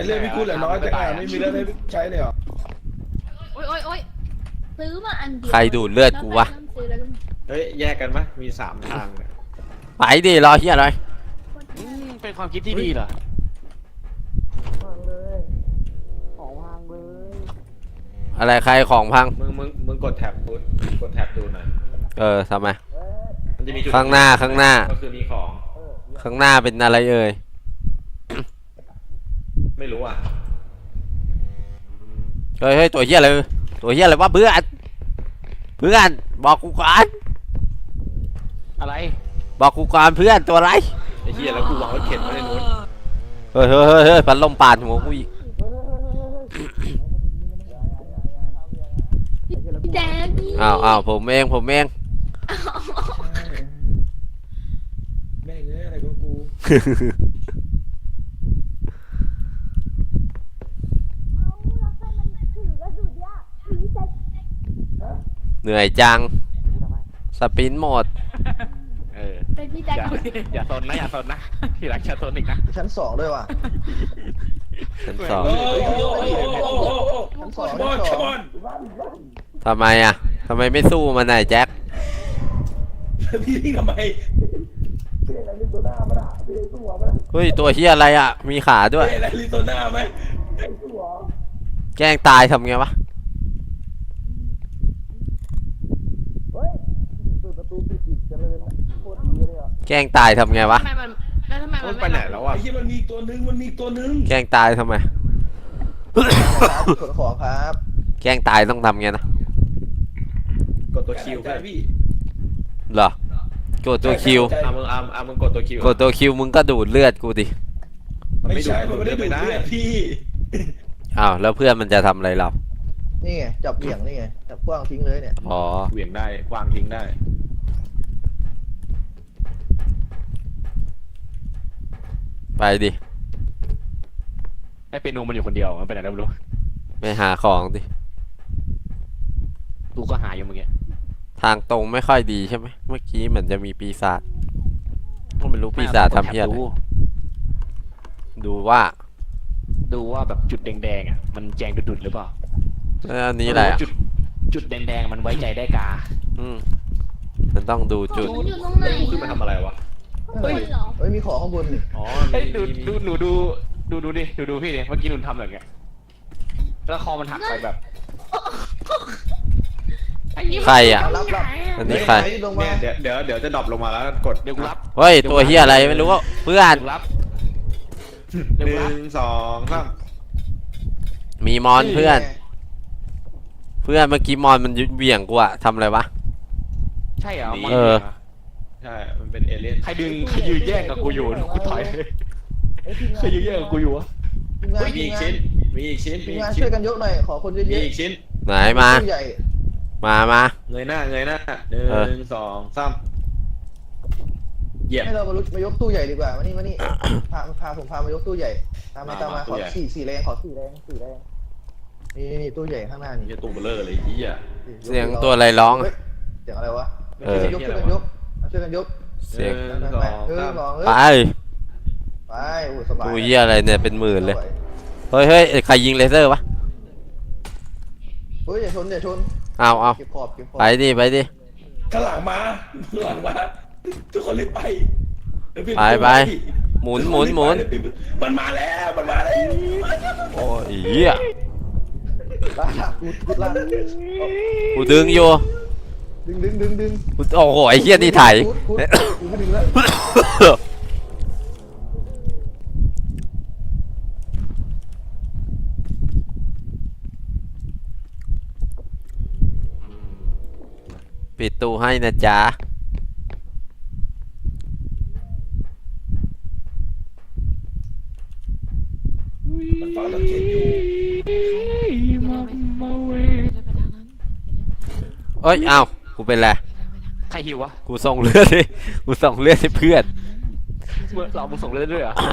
เรื่องพี่กูเหลือน้อยจังไม่มีเรื่องให้ใช้เลยเหรอโอ๊ยซื้อมาอันเดียวใครดูดเลือดกูวะเฮ้ยแยกกันปะมี3 ทางเนี่ยไปดิรอเฮียอะไรเป็นความคิดที่ดีเหรออะไรใครของพังมึงกดแท็บดูหน่อยทำไมมันจะมีจุดข้างหน้าก็คือมีของข้างหน้าเป็นอะไรเอ่ยไม่รู้อ่ะเฮ้ยตัวเฮียอะไรวะเพื่อนบอกกูก่อนอะไรบอกกูก่อนเพื่อนตัวอะไรไอ้เหี้ยแล้วกูวางรถเข็นไว้ในนู้นเฮ้ยพัดลมปาดหัวกูอีกพี่แจ๊คพี่อ้าวผมเองแม่งอะไรก็กูเหนื่อยจังสปินหมดเป็นพี่แจ๊คอย่าซนนะทีหลังอย่าซนอีกนะชั้น2ด้วยว่ะชั้นสองชั้นสองบอลชั้นสองบอลทำไมไม่สู้มันไหนแจ็คพี่ทำไมเฮ้ยตัวเฮียอะไรอ่ะมีขาด้วยอะไรลิโซน่าไหมแกล้งตายทำไงวะแกล้งตายทำไงวะทำไมมันไปไหนแล้วอ่ะไอ้ที่มันมีตัวนึงแกล้งตายทำไมขนของครับแกล้งตายต้องทำไงนะกดตัวคิวใจเพื่อนพี่เหรอกดตัวคิวมึงกดตัวคิวกดตัวคิวมึงก็ดูดเลือดกูดิไม่ใช่มันไม่ได้ดูดเลือดพี่อ้าวแล้วเพื่อนมันจะทำอะไรเรานี่ไงจับเหวี่ยงนี่ไงจับกว้างทิ้งเลยเนี่ยอ๋อเหวี่ยงได้วางทิ้งได้ไปดิไอ้เปียโนมันอยู่คนเดียวมันไปไหนแล้วไม่รู้ไปหาของดิกูก็หาอยู่เมื่อกี้ทางตรงไม่ค่อยดีใช่ไหมเมื่อกี้เหมือนจะมีปีศาจก็ไม่รู้ปีศาจทำเพี้ยอะไรดูว่าแบบจุดแดงๆอ่ะมันแจงดุดๆหรือเปล่าแล้วอันนี้อะไรอ่ะจุดแดงๆมันไว้ใจได้กามันต้องดูจุดมันอยู่ตรงไหนขึ้นมาทำอะไรวะเฮ้ยเหรอเฮ้ยมีของข้างบนนี่อ๋อเฮ้ยดูดิดูพี่ดิเมื่อกี้หนูทำแบบเนี้ยแล้วคอมันหักไปแบบใครอ่ะรับอันนี้ใครลงมาเนี่ยเดี๋ยวจะดรอปลงมาแล้วกดเดี๋ยวกูรับเฮ้ยตัวเฮียอะไรไม่รู้ว่าเพื่อนเดี๋ยวรับ 1 2 3 มีมอนเพื่อนเมื่อกี้มอนมันเบี่ยงกูอะทำอะไรวะใช่เหรอใช่มันเป็นเอเลี่ยนใครยืนแย่งกับกูอยู่กูถอยเลยใครยืนแย่งกับกูอยู่วะทีมงานมีอีกชิ้นมีอีกชิ้นทีมงานช่วยกันยกหน่อยขอคนเยมีอะอีกชิ้นไหนๆมาตู้ใหญ่มาเงยหน้า1 2 3เหยียบให้เรามายกตู้ใหญ่ดีกว่ามานี่พาผมมายกตู้ใหญ่ตามมาขอสี่แรงนี่ตู้ใหญ่ข้างหน้านี่จะตูเบลอเลยยี่อ่ะเสียงตัวอะไรร้องเสียงอะไรวะเออช่วยกันยกเสียง 1 2 3 ไปไปโอ้สบายกูเฮียอะไรเนี่ยเป็นหมื่นเลยเฮ้ยใครยิงเลเซอร์วะเฮ้ยอย่าชนเอาเก็บขอบไปดิข้างหลังมาทุกคนรีบไปไปหมุนมันมาแล้วโอ้ยเหี้ยลากกูลากกูดึงอยู่ดึงโอ้โหไอ้เหี้ยนี่ถ่ายกูไม่ดึงแล้วปิดตู้ให้นะจ๊ะมันฟังสังเกตอยู่เอ้ยอ้าวกูเป็นไรใครหิววะกูส่งเลือดให้เพื่อนเรามึงส่งเลือดด้วยเหรอ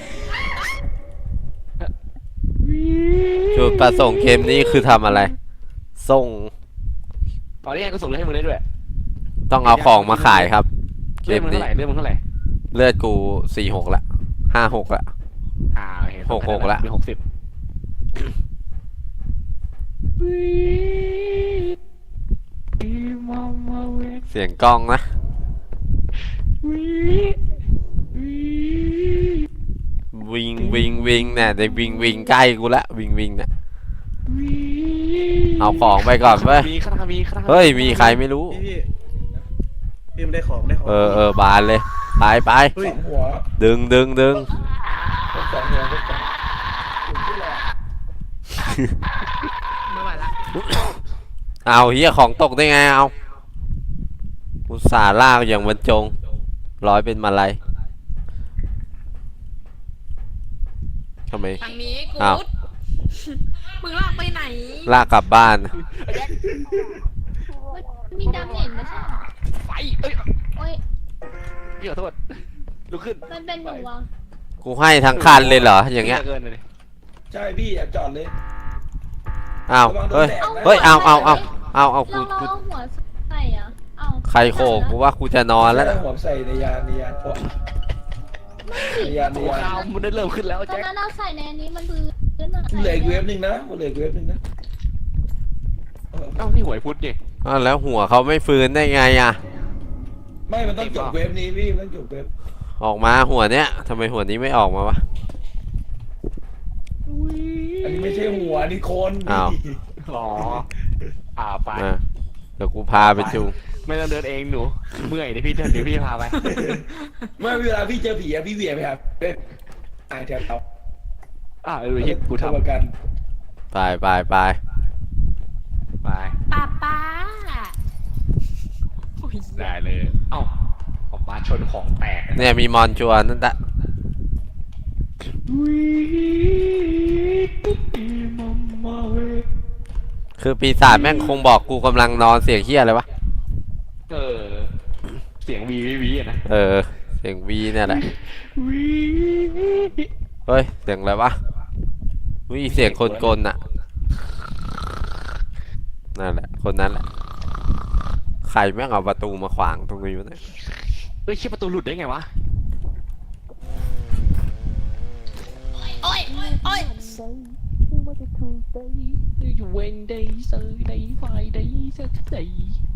จุดประสงค์เกมนี้คือทำอะไรส่งตอนนี้กูส่งเลือดให้มึงได้ด้วยต้องเอาของมาขายครับเกเลือดมมึงนี้เท่าไหร่เลือดกู46ละ56ละโอเค 66ละมี60 เสียงกล้องนะวิงวิงวิงเนี่ยได้วิงวิงใกล้กูละวิงวิงเนี่ยเอาของไปก่อนเว้ยมีข้างหน้ามีข้างหน้าเฮ้ยมีใครไม่รู้พี่มันได้ของได้ของเออบานเลยไปไปเฮ้ยสองหัวดึงดึงดึงสองหัวก็สองถึงที่แหละไม่ไหวละเอาเฮียของตกได้ไงเอาอุตส่าห์ลากอย่างบรรจงร้อยเป็นมาลัยทำไมทางนี้กูอ้าวดมึงลากไปไหนลากกลับบ้านมีดาเมจไม่ใช่เหรอไฟเอ้ยโอ้ยพี่ขอโทษลุกขึ้นมันเป็นหนูอ่ะกูให้ทั้งคันเลยเหรออย่างเงี้ยเกินเลยใช่พี่อย่าจอดเลยอ้าวระวังโดเฮ้นยแดดนะเฮ้ยเอากูเราเอาหัวใส่อ่ะเอาใครโขกกูว่ากูจะนอนแล้วใส่นะหัวใส่ในยานโอ๊ะในยานโอ้ข่าวมันได้เริ่มขึ้นแล้วตอนแจ็คนั้นเราใส่ในอันนี้มันคือเลื่อนอะเหลืออีกเวฟหนึ่งนะเหลืออีกเวฟหนึ่งนะเอ้านี่หวยพุทธนี่อ้าวแล้วหัวเขาไม่ฟื้นได้ไงอ่ะไม่มันต้องจบเวฟนี้พี่มันต้องจบเวฟออกมาหัวเนี้ยทำไมหัวนี้ไม่ออกมาวะอันนี้ไม่ใช่หัวนี่โคนอ้าวอ๋อไปมาเดี๋ยวกูพาไปจูงไม่ต้องเดินเองหนูเมื่อยเดี๋ยวพี่พาไปไม่เวลาพี่เจอผีอะพี่เหวี่ยงไปครับเป๊ะแถวเตาดูที่กูทำประกันไปไปไปไปป้าโอ้ยได้เลยเอ้าออกมาชนของแตกเนี่ยมีมอนชัวร์นั่นแหละคือปีศาจแม่งคงบอกกูกำลังนอนเสียงเฮียอะไรวะเสียงวีอะนะเออเสียงวีเนี่ยแหละเฮ้ยเสียงอะไรวะวิเสียงคนกลน่ะนั่นแหละคนนั้นแหละใครแม่งเอาประตูมาขวางตรงนี้วะเนี่ยเฮ้ยคิดประตูหลุดได้ไงวะโอ้ยโอ้ยอยู่เวนเดย์เซอร์เดย์ไฟเดย์เซอร์เดย์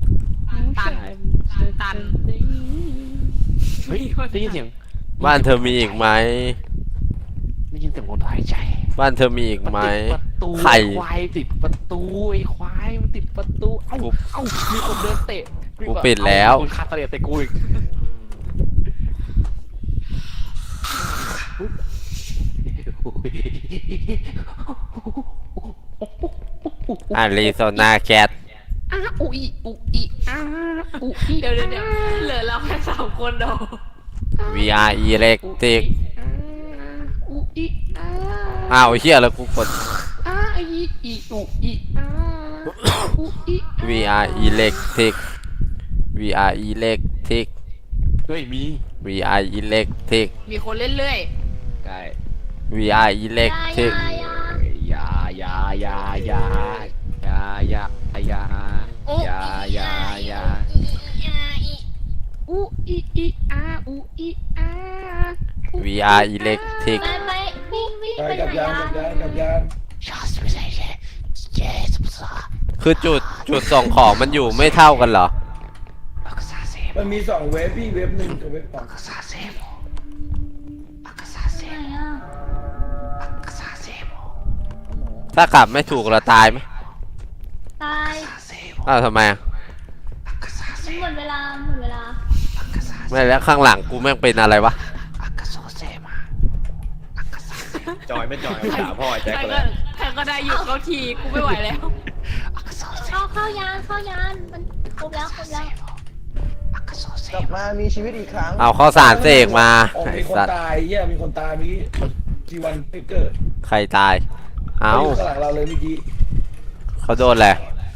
ตันเฮ้ยได้ยินเสียงบ้านเธอมีอีกไหมได้ยินเสียงคนหายใจบ้านเธอมีอีกไหมติดประตูไข่ควายติดประตูไอ้ควายมันติดประตูเอ้ามีคนเดินเตะกูปิดแล้วคนคาตาเลียเตะกูอีกอาริโซนาแคทอุ๊ยเดี๋ยวเหลือเราแค่3 คนเดียว VR Electric อ้าวเฮียแล้วกูกด VR Electric VR Electric เฮ้ยมี VR Electric มีคนเล่นเรื่อยไก่ VR Electric ยายายายายายายาโอ้ยายายา VR Electric ไปวิ่งไปไปกับไหนยานอะกับยานคือจุดส่งของมันอยู่ไม่เท่ากันเหรอมันมี2เวฟพี่เวฟหนึ่งกับเวฟสองไหนอะถ้าขับไม่ถูกเราตายไหมตายอ้าวทำไมอ่ะมันหมดเวลาไม่แล้วข้างหลังกูแม่งเป็นอะไรวะจอยไม่จอยด่าพ่อไอ้แจ็คใครเลก็ยใครก็ได้หยุดเขาทีกูไม่ไหวแล้วเข้ายานมันครบแล้วกลับมามีชีวิตอีกครั้งเอาข้าวสารเสกมาโอ้ไอ้มีคนสัตว์ตายเหี้ยมีคนตายเมื่อกี้ทีวันเฟเกอร์ใครตาย เอาอยู่ข้างหลังเราเลยเมื่อกี้เขาโดนแหละ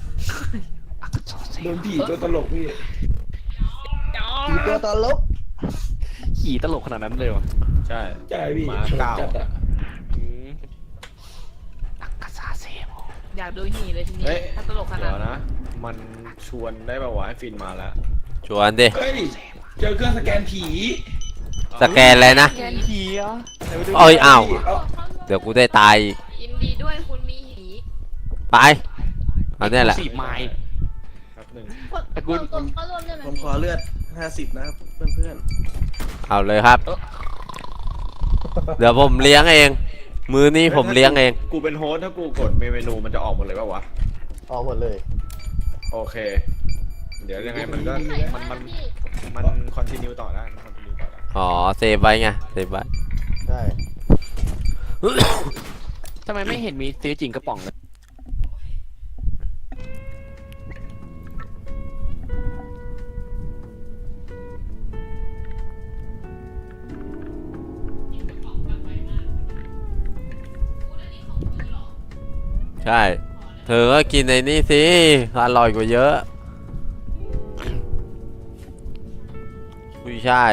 โดนผีตัวตลกพี่ผีตัวตลกขี่ตลกขนาดนั้นเลยวะใช่ใช่พี่หมาชนเก้าจัดอะอยากดูหีเลยทีนี้เฮ้ยถ้าตลกขนาเดี๋ดยวนะ มันชวนได้ป่าวะให้ฟินมาแล้วชวนดิเฮ้ยเจอเครื่องสแกนผีสแกนอะไรนะแกนขี่เหรอเอ้ยอ้าวเอาเข้าโลเดี๋ยวกูได้ตายอีกยินดีด้วยคุณมีหีไปเอาเนี่ยแหละ 10 ไม้ครับหนึ่งกดเข้าร่วมได้ไหมผมขอเลือด50นะครับเพื่อนเอาเลยครับ เดี๋ยวผมเลี้ยงเอง มือนี้ผมเลี้ยงเองกูเป็นโฮสต์ถ้ากูกดเมนูมันจะออกหมดเลยป่าวะออกหมดเลยโอเค เดี๋ยวยังไงมันก็ใส่มันมามันพี่มันคอนติเนียต่อได้มันคอนติเนียต่อได้อ๋อเซฟไว้ไงเซฟไว้ได้ทำไมไม่เห็นมีซื้อจริงกระป๋องเลยใช่ เธอก็กินในนี่สิอร่อยกว่าเยอะกุ้ยช่าย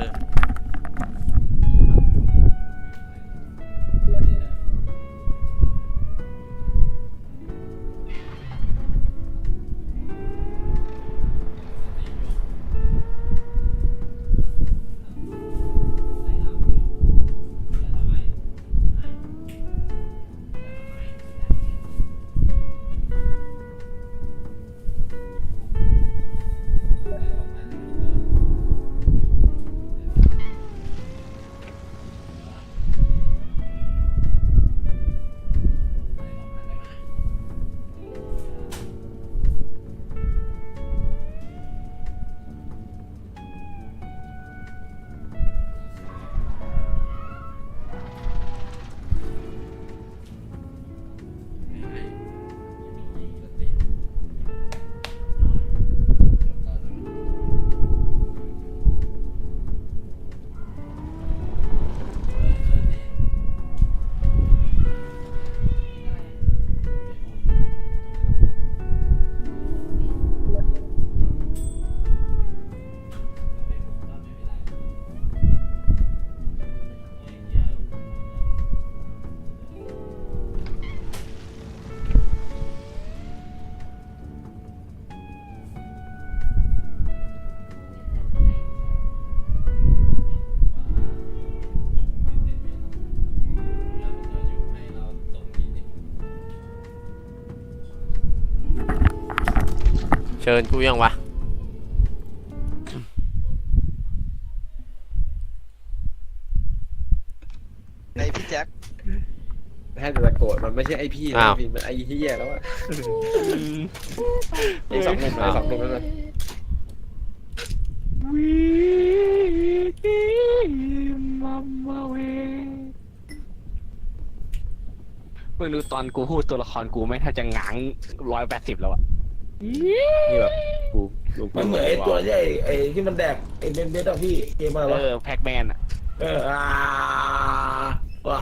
เชิญกูยังวะในพี่แจ็คแค่จะโกรธมันไม่ใช่ไอพี่นะพี่มันไอที่แย่แล้วอะไอสองหนุ่มไอสองหนุ่มนั่นแหละมึงดูตอนกูพูดตัวละครกูไม่ถ้าจะง้าง180แล้วอะนี่แบบกูดูมันเหมือนไอ้ตัวที่ไอ้ที่มันแดกไอ้เบนเบสอะพี่เกมอะไรวะแพ็กแมนอะว้า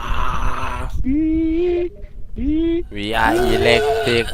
VR อิเล็กทริก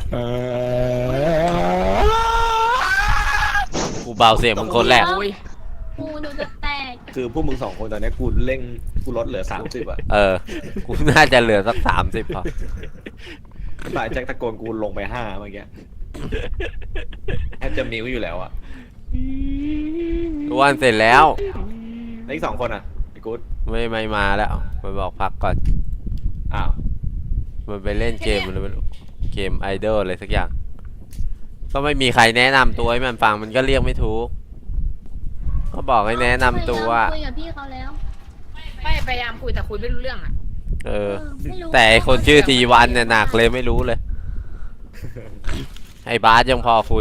กูเบาเสียงมึงคนแรกกูหนูจะแตกคือพวกมึงสองคนตอนนี้กูเร่งกูลดเหลือ30อะเออ กูน่าจะเหลือสัก30พอหลายแจ็คตะโกนกูลงไป5เมื่อกี้แทบจะมิวอยู่แล้วอะอ้วนเสร็จแล้วแล้วอีก2คนอะไอ้กู๊ดไม่มาแล้วมันบอกพักก่อนอ้าวมันไปเล่นเกมมันไม่รู้เกมไอดอลอะไรสักอย่าง ก็ไม่มีใครแนะนำตัวให้มันฟังมันก็เรียกไม่ถูกก็บอกให้แนะนำตัวคุยกับพี่เขาแล้วไม่พยายามคุยแต่คุยไม่รู้เรื่องอ่ะเออไม่รู้แต่ไอ้คนชื่อทีวันเนี่ยหนักเลยไม่รู้เลย ไอ้บาสยังพอคุย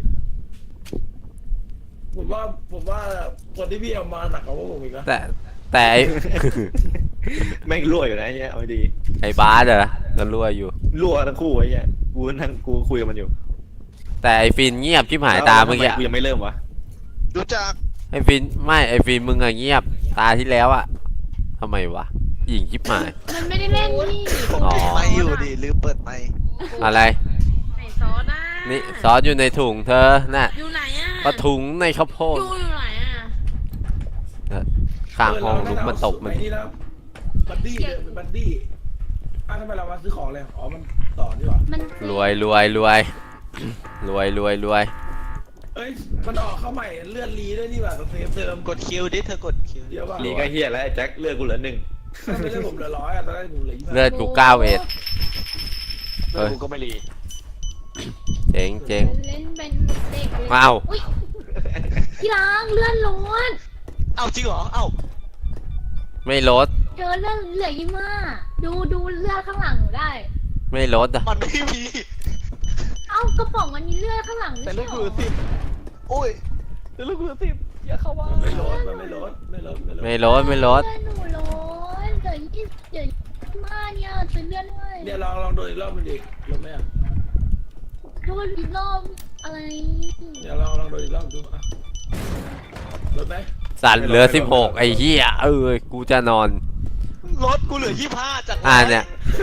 ผมว่าคนที่พี่เอามาหนักกว่าพวกผมอีกนะแต่ไอ้แม่งรั่วอยู่นะไอ้เนี้ยเอาดีไอ้บาสเหรอก็รั่วอยู่รั่วทั้งคู่ไอ้เนี้ยกูนั่งกูคุยกับมันอยู่แต่ไอ้ฟินเงียบชิบหายตาเมื่อกี้กูยังไม่เริ่มวะรู้จักไอ้ฟินไม่ไอ้ฟินมึงอะเงียบตาที่แล้วอะทำไมวะหญิงชิบหายมันไม่ได้เล่นพี่อ๋อไม่อยู่ดิลืมเปิดไมค์อะไรไหนซอสอ่ะนี่ซอสอยู่ในถุงเธอน่ะอยู่ไหนอ่ะปะถุงในข้าวโพดอยู่ไหนอ่ะข้างห้องลุกมาตบมันไอ้นี่แล้วบัดดี้เลยเป็นบัดดี้ทำไมเรามาซื้อของเลยอ๋อมันต่อดีกว่ามันรวยรวยรวยเอ้ยมันออกเข้าใหม่เลือดรีด้วยนี่หว่าเซฟเติมกดคิวดิเธอกดคิวเดี๋ยวว่านี่ก็เฮียแล้วไอ้แจ็คเลือกกูเหลือ1 ไม่เป็นเรื่องผมเหลือ100อ่ะตอนแรกผมเหลือเลือดกู91 แล้วกูก็ไม่รีเจ๋งเจ๋งเล่นเป็นเด็กเลยว้าวอุ๊ยพี่ล้างเลื่อนล้วนเอ้าจริงเหรอ เอ้าไม่ลดเจอเลื่อนเหลือ25ดูเลือดข้างหลังหนูได้ไม่ลดอ่ะมันไม่มีเอ้ากระป๋องมันมีเลือดข้างหลังแต่ไม่เลือดใช่กูเหรเหลือ10 โอ้ยแต่เลือดกูเหลือ10อย่าเข้ามาไม่ลดมันไม่ลดไม่ลดไม่ลดไม่ลดไม่ลดเลือดหนูล้นเหลือ25เนี่ยเจอเลือดด้วยเนี่ยลองโดนอีกรอบมันดิลดไหมอ่ะโดนอีกรอบอะไรเนี่ยลองโดนอีกรอบดูอ่ะลดไหมสัตว์เหลือ16ไอ้เหี้ยกูจะนอนรถกูเหลือ25จากเนี่ย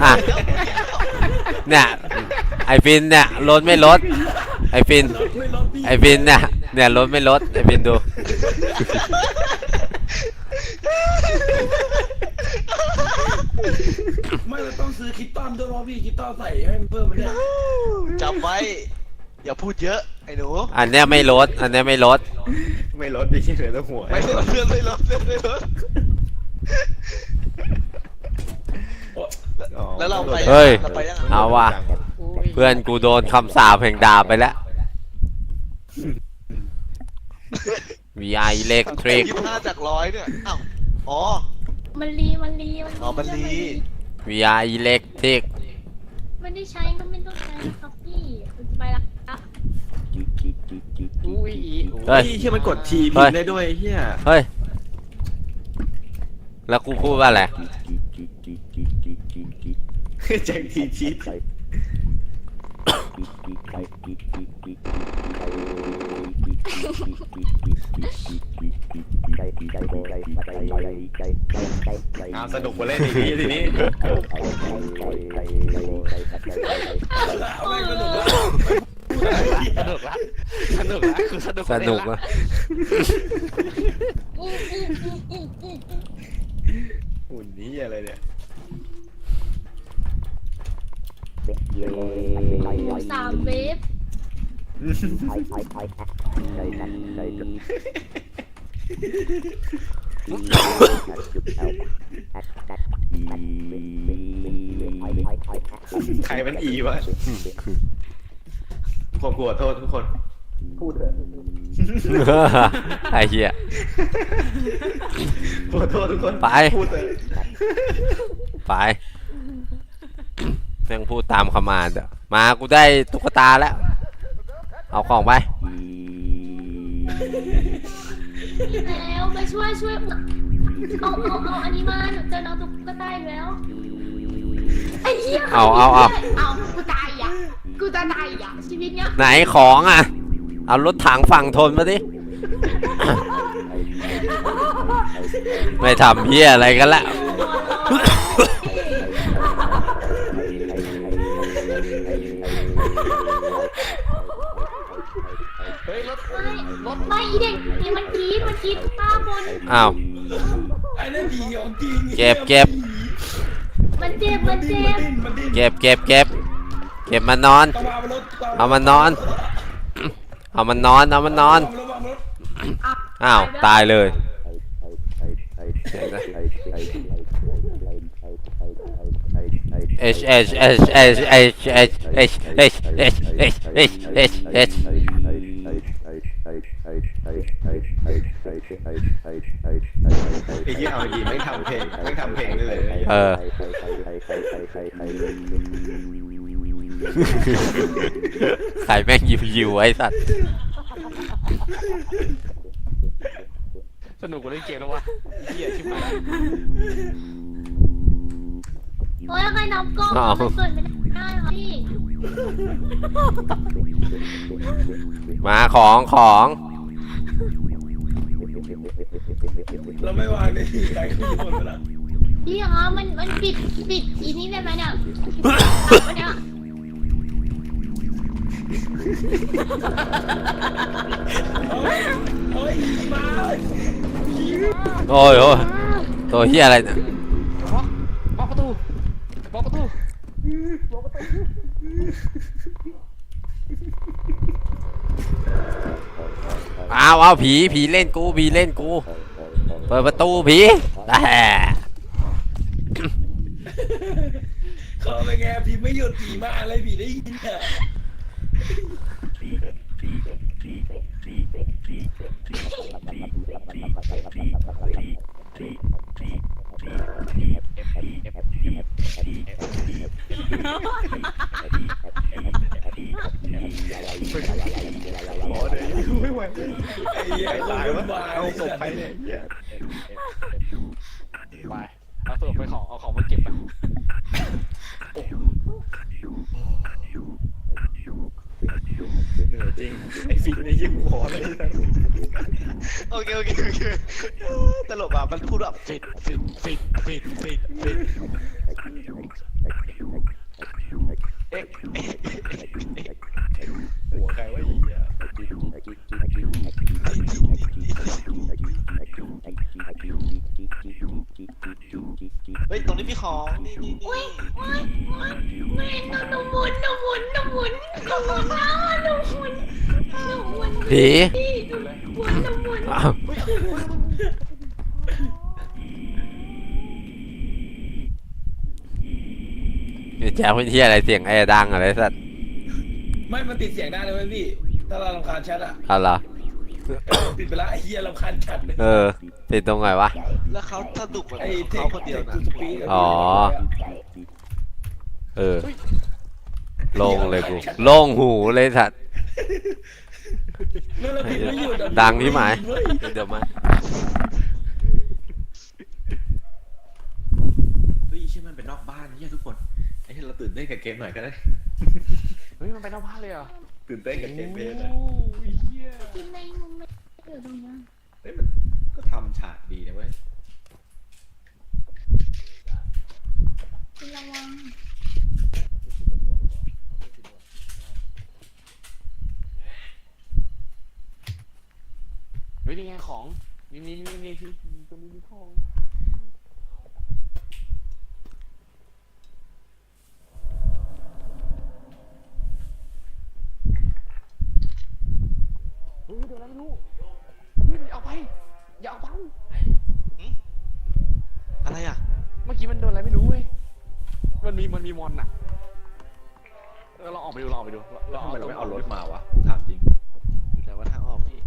เนี่ยไอฟินเนี่ยลดไม่ลดไอฟินลดไม่ลดพี่ไอฟินเนี่ยลดไม่ลดไอฟินดูไม่เราต้องซื้อคิตตันด้วยเพราะพี่คิตตันใส่ให้มันเพิ่มมันเนี่ยจำไว้ อย่าพูดเยอะ ไอ้หนูอันเนี้ยไม่ลดอันเนี้ยไม่ลดไม่ลดดิเหลือแต่หัวไม่ลดเลื่อนไม่ลดเลื่อนไม่ลดอ๋อแล้วเราไปเฮ้ยเราไปยังไงเอาว่ะเพื่อนกูโดนคำสาปแห่งดาบไปแล้ว VI Electric 25จาก100เนี่ยอ้าวอ๋อมันรีอ๋อมันรี VI Electric ไม่ได้ใช้ก็ไม่ต้องใช้นะครับพี่ไปละอุ้ยเฮ้ยเฮียมันกดทีพิมพ์ได้ด้วยเฮียเฮ้ยแล้วกูพูดว่าอะไรแจ็คทีชีตสนุกมาเล่นอีกทีนี้เอาไม่สนุกแล้วสนุกละสนุกละคือสนุกสนุกอะหุ่นนี้อะไรเนี่ย 3 เวฟใครมันอีวะผมขอโทษทุกคนไอ้เหี้ยขอโทษทุกคนไปพูดเลยไปแม่งพูดตามคำมานด์อะมากูได้ตุ๊กตาแล้ว เอาของไปแล้วมาช่วยเอาอันนี้มาหนูเจอน้องตุ๊กตาอีกแล้วไอ้เหี้ยเอากูตายอ่ะกูจะตายอ่ะชีวิตเนี้ยไหนของอ่ะ เอารถถังฝั่งทนมาดิ ไม่ทำเหี้ยอะไรกันละเฮ้ยรถไม่อีเด็กนี่มันกรีดข้าบนอ้าวไอ้นั่นผีของจริงเก็บมันเจ็บมันดิ้นเก็บมานอนต้องมารถเอามันนอน เอามันนอนระวังรถอ้าว ตายเลย H H H H H H H H H H H H H ไอ้ที่เอาดีไม่ทำเพลงได้เลยใครแม่งยิวไอ้สัตว์สนุกกว่าเล่นเกมแล้ววะเหี้ยชิบหายโอ้ยใครนับกล้องมันเกิดไม่ได้ค่ะพี่มาของเราไม่วางในที่ใครขึ้นบนไปแล้วพี่คะมันปิดอีนี้ได้ไหมเนี่ยมันเนี่ยเฮ้ยมาโอ้ยตัวเฮียอะไรเนี่ยบล็อกประตูเอาผีเล่นกู เปิดประตูผีเป็นไงผีไม่หยุดผีมาอะไรผีได้ยินอ่ะหมอเดี๋ยวไม่ไหวไอ้เหี้ยตายวะวุ่นวเอาศพไปเนี่ยเหี้ยไปเอาตัวไปของเอาของมาเก็บไปเหนื่อยจริงไอ้ฟิล์มเนี่ยยิ่งหมอเลยโอเคตลกอ่ะมันพูดแบบฟิตเอ๊ะหัวใครวะไอ้เหี้ยเฮ้ยตรงนี้มีของนี่อุ้ยไม่หนูหมุนนะหมุนนะหมุนผีพี่หนูหมุนอ้าวแจ๊คเป็นที่อะไรเสียงไอ้ดังอะไรสัตว์ไม่มันติดเสียงได้เลยเว้ยพี่ถ้าเรารำคาญแชทอ่ะเอาเหรอปิดไปละไอ้เหี้ยรำคาญแชทเลยติดตรงไหนวะแล้วเขาสนุกแบบไอ้เทเขาคคนเดียวนะกูสปีกอ๋อ โล่งเลยกูโล่งหูเลยสัตว์แล้วเราผิดไม่หยุดอะดังที่หมายเว้ยเดี๋ยวมาเฮ้ยใช่มันเป็นนอกบ้านเหี้ยทุกคนไอ้เหี้ยเราตื่นเต้นกับเกมหน่อยก็ได้เฮ้ยมันไปนอกบ้านเลยเหรอตื่นเต้นกับเกมเบสโอ้ยเหี้ยกินในมุมไม่อยู่ตรงนั้นเฮ้ยมันก็ทำฉากดีนะเว้ยกินระวังเฮ้ยนี่ไงของนี่พี่ตรงนี้มีของเฮ้ยเดี๋ยวนะไม่รู้พี่อย่าเอาไปอย่าเอาไปอะไรอ่ะเมื่อกี้มันโดนอะไรไม่รู้เว้ยมันมีมอนอะเราออกไปดูเราออกไปดูแล้วทำไมเราไม่เอารถมาวะกูถามจริงอยู่ไหนว่าทางออกพี่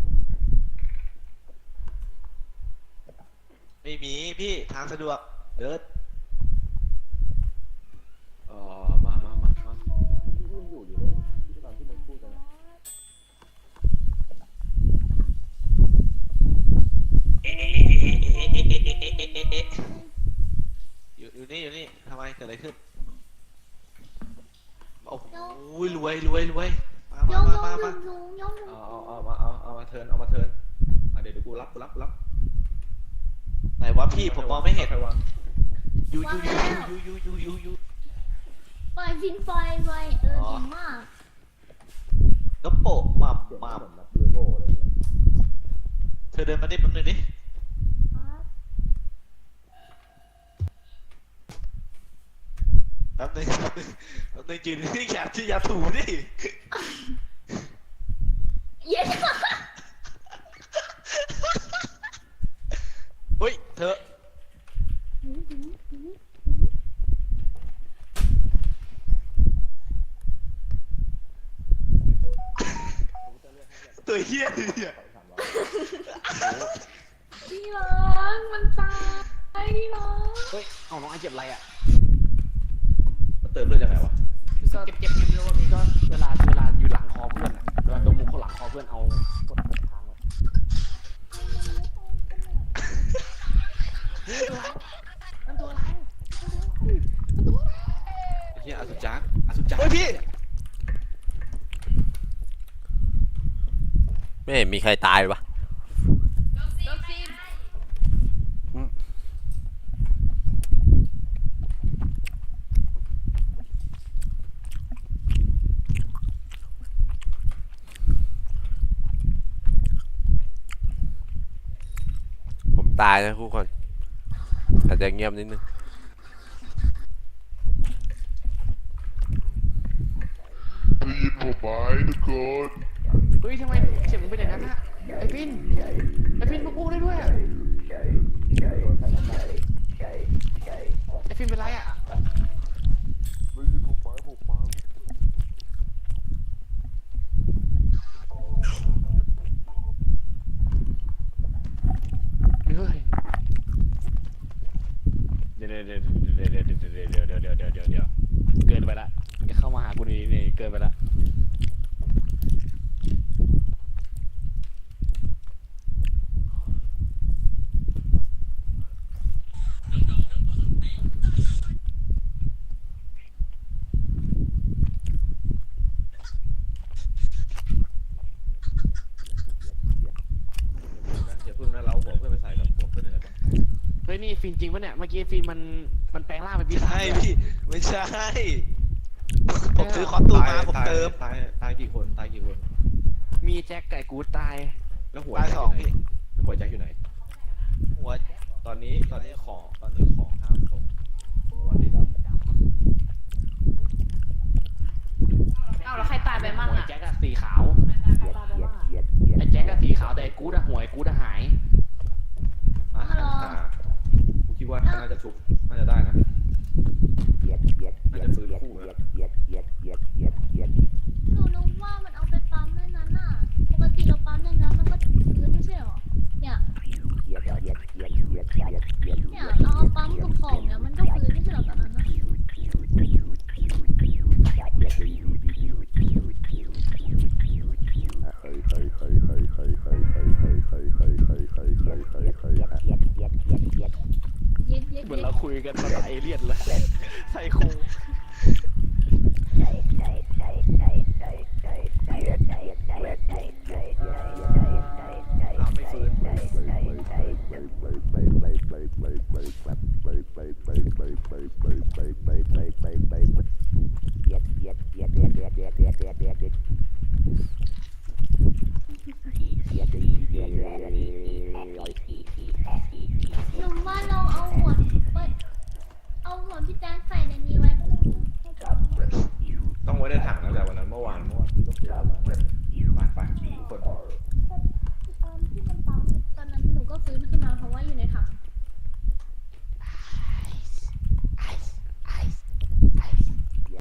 ไม่มีพี่ทางสะดวกเดินมาอยู่นี่ทำไมเกิดอะไรขึ้นโอ้โหรวยมายกมาลุงยกลุงเอามาเทิร์นเดี๋ยวกูรับไหนวะพี่ผมมองไม่เห็นใครวางยูปล่อยฟินไฟไว้เก่งมากนกโปะมาเหมือนแบบยูโรอะไรเงี้ยเธอเดินมาดิแป๊บนึงดิแป๊บนึงยืนนี่อย่าถูดิเย็นเฮ้ยเธอตัวเฮี้ยเนี่ยพี่ร้องมันตายพี่ร้องเฮ้ยเอาน้องไอเจ็บอะไรอะมันเติมเลือดยังไงวะก็เจ็บไม่รู้ว่าพี่ก็เวลาอยู่หลังคอเพื่อนอะเวลาตรงมุมเขาหลังคอเพื่อนเอากดทางไว้นั่นตัวอะไรไอ้เหี้ยอสุจักรเฮ้ยพี่ไม่เห็นมีใครตายวะผมตายนะทุกคนอาจจะเงียบนิดนึงได้ยินผมไหมทุกคนเฮ้ยทำไมเสียงมึงเป็นอย่างนั้นอะไอฟินมากู้ได้ด้วยอะไอฟินเป็นไรอะฟินจริงปะเนี่ยเมื่อกี้ฟินมันแปลงร่างเป็นปีศาจใช่เลยพี่ไม่ใช่ ผมซื้อคอสตูมมาผมเติมตายกี่คนตายกี่คนมีแจ็คไก่กูดตายแล้วหัวตายแจ็คสองอยู่ไหนพี่แล้วหัวแจ็คอยู่ไหนหัวตอนนี้ของห้ามตกวันนี้ดเอาแล้วใครตายไปมั่งหัวอ่ะแจ็คอะสีขาวไอ้แจ็คอะสีขาวแต่ไอ้กูดอะหัวไอ้กูดอะหายำอ่ะกูคิดว่าน่าจะชุบน่าจะได้นะน่าจะฟื้นคู่นะหนูนึกว่ามันเอาไปปั๊มในนั้นอ่ะปกติเราปั๊มในนั้นมันก็พื้นไม่ใช่หรอเนี่ยเราเอาปั๊มกับของเนี่ยมันก็พื้นไม่ใช่หรอตอนนั้นอะ เย็ดเย็ดเหมือนเย็เราดคุยกันภาษาเอเลี่ยนเลยไซโคอ้าวไม่ฟื้นเ